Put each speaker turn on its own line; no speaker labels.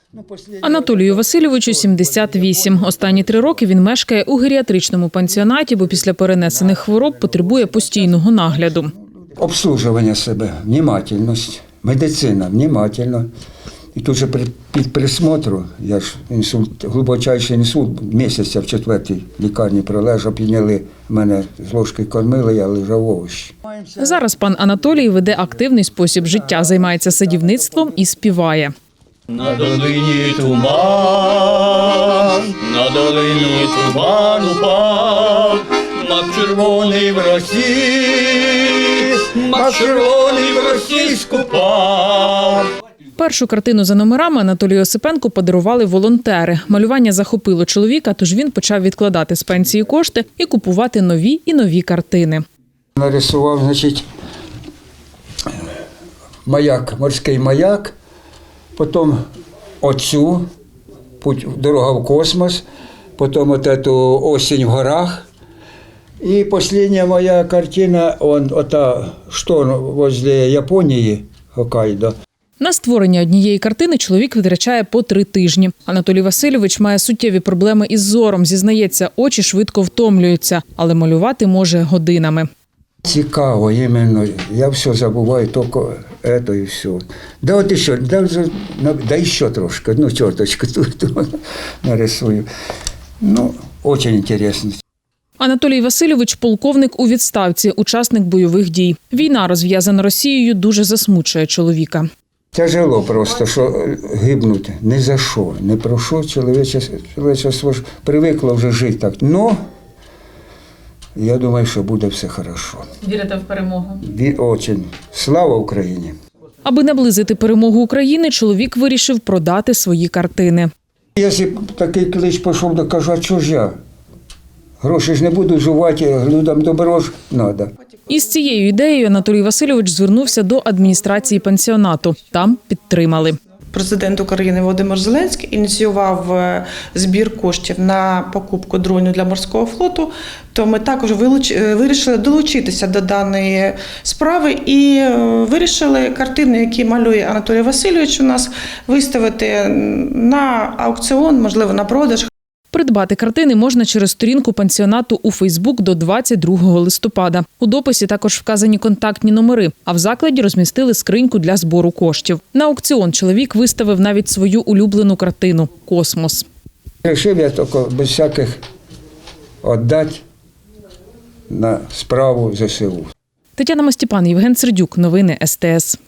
Анатолію Васильовичу 78. Останні 3 роки він мешкає у геріатричному пансіонаті, бо після перенесених хвороб потребує постійного нагляду.
Обслуживання себе, внимательність, медицина, внимательно. І тут же під присмотру, я ж інсульт, глибочайший інсульт, місяця в 4-й лікарні пролежав, підняли мене з ложки кормили, я лежав овощі.
Зараз пан Анатолій веде активний спосіб життя, займається садівництвом і співає.
На долині туман упав, мак червоний в росі скупав.
Першу картину за номерами Анатолію Осипенку подарували волонтери. Малювання захопило чоловіка, тож він почав відкладати з пенсії кошти і купувати нові і нові картини.
Нарисував, значить, маяк, морський маяк, потім оцю, дорога в космос, потім оту осінь в горах. І остання моя картина, ота шторм возле Японії, Хоккайдо.
На створення однієї картини чоловік витрачає по 3 тижні. Анатолій Васильович має суттєві проблеми із зором. Зізнається, очі швидко втомлюються, але малювати може годинами.
Цікаво, іменно. Я все забуваю, тільки це і все. Да от ще, да ще трошки, одну черточку тут нарисую. Ну, дуже цікаво.
Анатолій Васильович – полковник у відставці, учасник бойових дій. Війна, розв'язана Росією, дуже засмучує чоловіка.
Тяжело просто, що гибнуть ні за що, ні про що. Чоловічество ж привикло вже жити так. Но я думаю, що буде все хорошо.
Вірите в перемогу?
Дуже. Слава Україні!
Аби наблизити перемогу України, чоловік вирішив продати свої картини.
Якщо такий клич пішов, то кажу, а чого ж я? Гроші ж не буду жувати, людям добро ж треба.
Із цією ідеєю Анатолій Васильович звернувся до адміністрації пансіонату. Там підтримали.
Президент України Володимир Зеленський ініціював збір коштів на покупку дронів для морського флоту, то ми також вирішили долучитися до даної справи і вирішили картини, які малює Анатолій Васильович у нас, виставити на аукціон, можливо, на продаж.
Придбати картини можна через сторінку пансіонату у Фейсбук до 22 листопада. У дописі також вказані контактні номери, а в закладі розмістили скриньку для збору коштів. На аукціон чоловік виставив навіть свою улюблену картину – «Космос».
Рішив я тільки без всяких віддати на справу ЗСУ.
Тетяна Мостіпан, Євген Сердюк. Новини СТС.